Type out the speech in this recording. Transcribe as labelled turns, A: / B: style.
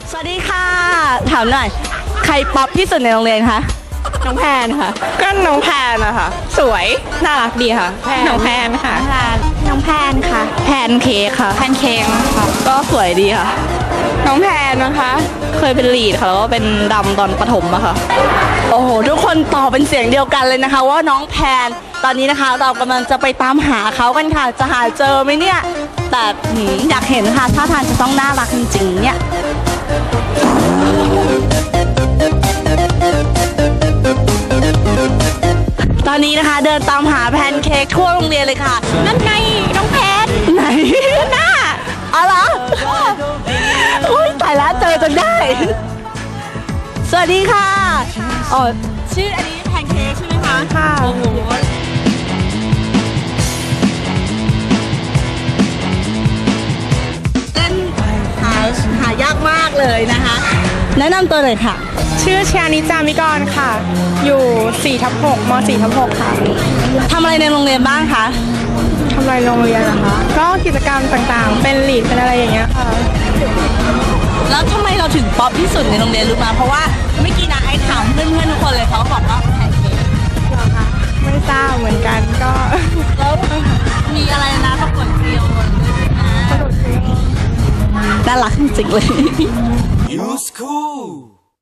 A: สวัสดีค่ะถามหน่อยใครป๊อปที่สุดในโรงเรียนคะน้องแพนค่ะก็น้องแพนนะคะสวยน่ารักดีค่ะน้องแพนค่ะน้องแพนค่ะแพนเค้กค่ะแพนเค้กค่ะก็สวยดีค่ะน้องแพนนะคะเคยเป็นลีดค่ะแล้วก็เป็นดำตอนประถมอะค่ะโอ้โหทุกคนตอบเป็นเสียงเดียวกันเลยนะคะว่าน้องแพนตอนนี้นะคะเรากำลังจะไปตามหาเขากันค่ะจะหาเจอไหมเนี่ยแต่อยากเห็นค่ะท่าทางจะต้องน่ารักจริงๆเนี่ยตอนนี้นะคะเดินตามหาแพนเค้กทั่วโรงเรียนเลยค่ะนั่นไงน้องแพนไหนหน้าอ๋อเหรออุ้ยตายแล้วเจอจนได้สวัสดีค่ะอ๋อชื่ออันนี้แพนเค้กใช่ไหมคะค่ะโอ้โหเต้นหายากมากเลยนะคะแนะนำตัวหน่อยค่ะ
B: ชื่อชานิจามิกรค่ะ อยู่4/6 ม4/6 ค่ะ
A: ทำอะไรในโรงเรียนบ้างคะ
B: ทำอะไรโรงเรียนนะคะ ก็กิจกรรมต่างๆ เป็นลีดเป็นอะไรอย่างเงี้ยค่ะ
A: แล้วทำไมเราถึงป๊อปที่สุดในโรงเรียนรู้มาเพราะว่าเมื่อกี้นะไอ้ถามเพื่อนๆทุกคนเลยเขาบอกว่าแพนเค้ก
B: เหรอคะ ไม่ทราบเหมือนกันก็
A: แล้วมีอะไรนะประกวดเกลียวด้วยนะน่ารักจริงๆเลย
C: You school